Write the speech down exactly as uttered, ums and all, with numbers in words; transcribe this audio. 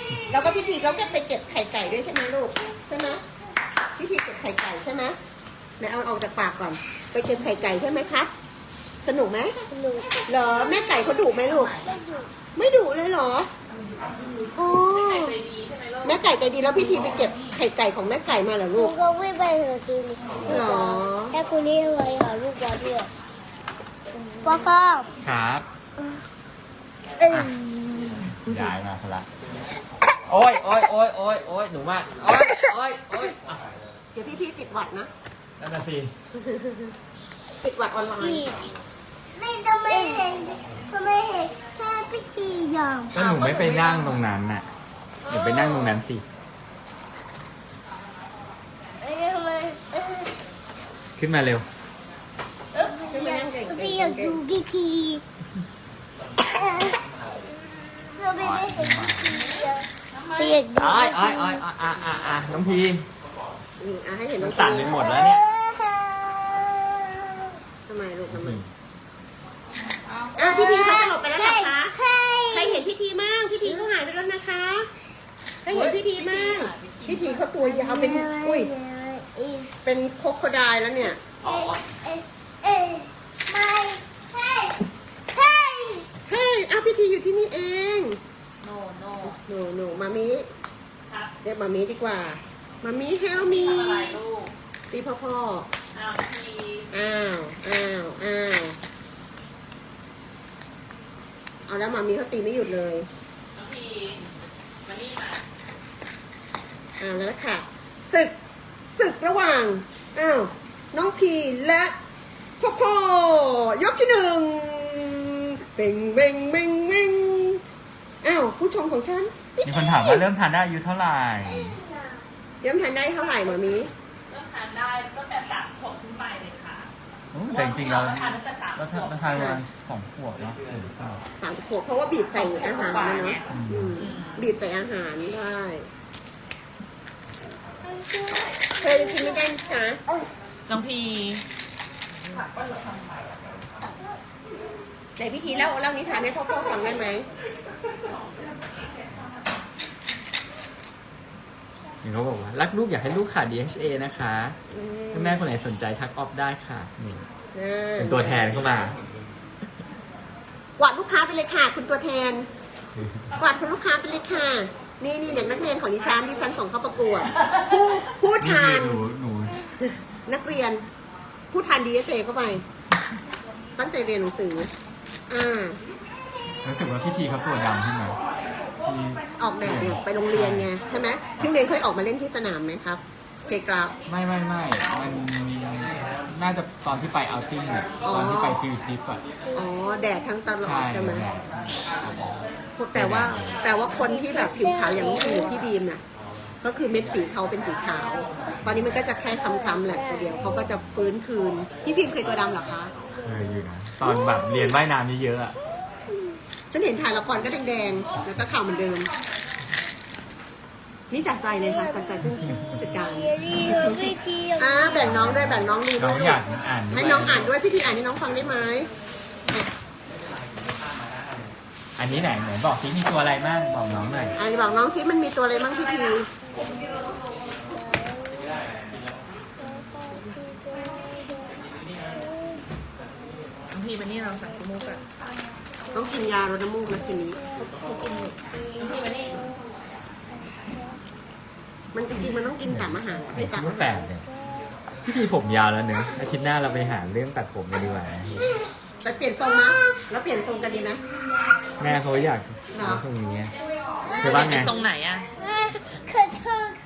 แล้วก็พี่ทีเขาก็ไปเก็บไข่ไก่ด้วยใช่ไหมลูกใช่ไหมพี่ทีเก็บไข่ไก่ใช่ไหมไหนเอาออกจากปากก่อนไปเก็บไข่ไก่ใช่ไหมคะสนุกไหมสนุกเหรอแม่ไก่เขาดุไหมลูกไม่ดุไม่ดุเลยเหรอโอ้แม่ไก่ใจดีแล้วพี่ทีไปเก็บไข่ไก่ของแม่ไก่มาเหรอหนูลูกก็วิ่งไปเหอะตูนเหรอแค่คนนี้เลยหาลูกบอลด้วยพ่อพ่อครับเอ้ยย้ายมาซะละโอ้ยโอ้ยโอ้ยโอ้ยโอ้ยหนูมากโอ้ยโอ้ยโอ้ยอ่ะเดี๋ยวพี่พี่ติดหวัดนะนั่นน่ะสิติดหวัดออนไลพี่น์ไม่ทำไมเห็นทำไมเห็นแค่พิธีอย่างก็หนูไม่ไปนั่งตรงนั้นน่ะหนูไปนั่งตรงนั้นสิเอ้ยทำไมเอ้ยขึ้นมาเร็วใช่ไหมนั่งเก่งพี่อยากดูพิธีเราไม่ได้เห็นพิธีอะพี่อยากดูอ้อยอ้อยอ้อยอ่ะอ่ะอ่ะอ่ะน้องพีอืมอ่ะให้เห็นน้องสั่นไปหมดแล้วเนี่ยทำไมลูกทำไมอ่ะพี่ทีเขาจะหลบไปแล้วเหรอคะใช่ใครเห็นพี่ทีมั่งพี่ทีเขาหายไปแล้วนะคะใครเห็นพี่ทีมั่งพี่ทีเขาตัวยาวเป็นอุ้ยเป็นโคโคไดล์แล้วเนี่ยเอ้ยเอ้ยเอ้ยไม่เฮ้ยเฮ้ยเฮ้ยอ้าวพี่ทีอยู่ที่นี่เองโนโนหนูหนูมามิครับเรียกมามิดีกว่ามามิเฮลมีทำอะไรลูกตีพ่อพ่ออ้าวทีอ้าวอ้าวอ้าวเอาแล้วมามิเขาตีไม่หยุดเลยน้องทีมานี่มาอ้าวแล้วล่ะค่ะศึกศึกระหว่างอ้าวน้องพีและพ่อพ่อยกที่หนึ่งเบ่งเบ่งเบ่งเบ่งอ้าวผู้ชมของฉันมีคนถามว่าเริ่มทานได้อายุเท่าไหร่ย้ำทันได้เท่าไหร่หมามิเริ่มทานได้ตั้งแต่สามขวบขึ้นไปเลยค่ะโอ้แต่จริงๆเราทานตั้งแต่สามขเราวทานบเราทานประมาณสองขวบเนาะเออเปล่าสามขวบเพราะว่าบีบใส่อาหารนะเนาะอืมบีบใส่อาหารได้เคยกินไม่ได้นะจ๊ะน้องพีไหนพิธีเล่าเล่านิทานให้พ่อพ่อฟังได้ไหมเห็นเขาบอกว่ารักลูกอยากให้ลูกขาด ดี เอช เอ นะคะอืมถ้าแม่คนไหนสนใจทักออฟได้ค่ะนี่อ่าเป็นตัวแทนเข้ามากวาดลูกค้าไปเลยค่ะ คุณตัวแทนกวาดคุณลูกค้าไปเลยค่ะ นี่นี่เด็กนักเรียนของดิฉันดิฉันส่งเข้าประกวด ผู้ผู้ทานหนูหนูนักเรียน ผู้ทาน ดี เอส เอ เข้าไป ตั้งใจเรียนหนังสือ อ่ารู้สึกว่าพี่พีเขาตัวดำขึ้นมาพี่ออกแบบเนี่ยไปโรงเรียนไงใช่ไหมพี่เรียนเคยออกมาเล่นที่สนามไหมครับเกกราฟไม่ไม่ไม่มันน่าจะตอนที่ไปเอาท์ติ้งอะอ๋อตอนที่ไปฟิลทริปอะอ๋อแดดทั้งตลอดใช่ใช่ไหมแหละแต่ว่าแต่ว่าคนที่แบบผิวขาวอย่างน้องพีหรือพี่บีมน่ะก็คือเม็ดสีเขาเป็นสีขาว ตอนนี้มันก็จะแค่คล้ำๆแหละแต่เดี๋ยวเขาก็จะฟื้นคืน พี่บีมเคยตัวดำเหรอคะเคยอยู่นะตอนแบบเรียนว่ายน้ำเยอะๆอะฉันเห็นถ่ายละครก็แดงๆแล้วก็ขาวเหมือนเดิม นี่จากใจเลยค่ะจากใจผู้จัดการเดี๋ยวนี้เราพิธีอ่าแบ่งน้องด้วยแบ่งน้องดูน้ด้อวงยอยากอ่านด้วยให้น้องอ่านด้วยพี่ทีอ่านให้น้องฟังได้ไหมอันนี้ไหนไหนบอกสิมีตัวอะไรบ้างบอกน้องหน่อยอ่านบอกน้องที่มันมีตัวอะไรบ้างพี่ทีน้องพีมานี่เราสั่งกุ้งมุกอะต้องกินยาลดน้ำมูกนะทีนี้น้องพีมานี่มันจริงๆมันต้องกินกับอาหารให้กับลูกแฝดเนี่ยพี่พีผมยาวแล้วเนอะอาทิตย์หน้าเราไปหาเรื่องตัดผมกันดีกว่านะแต่เปลี่ยนทรงนะแล้วเปลี่ยนทรงกันดีไหมแม่เขาอยากเหรอทรงนี้เธอว่าไงเป็นทรงไหนอะขอโทษ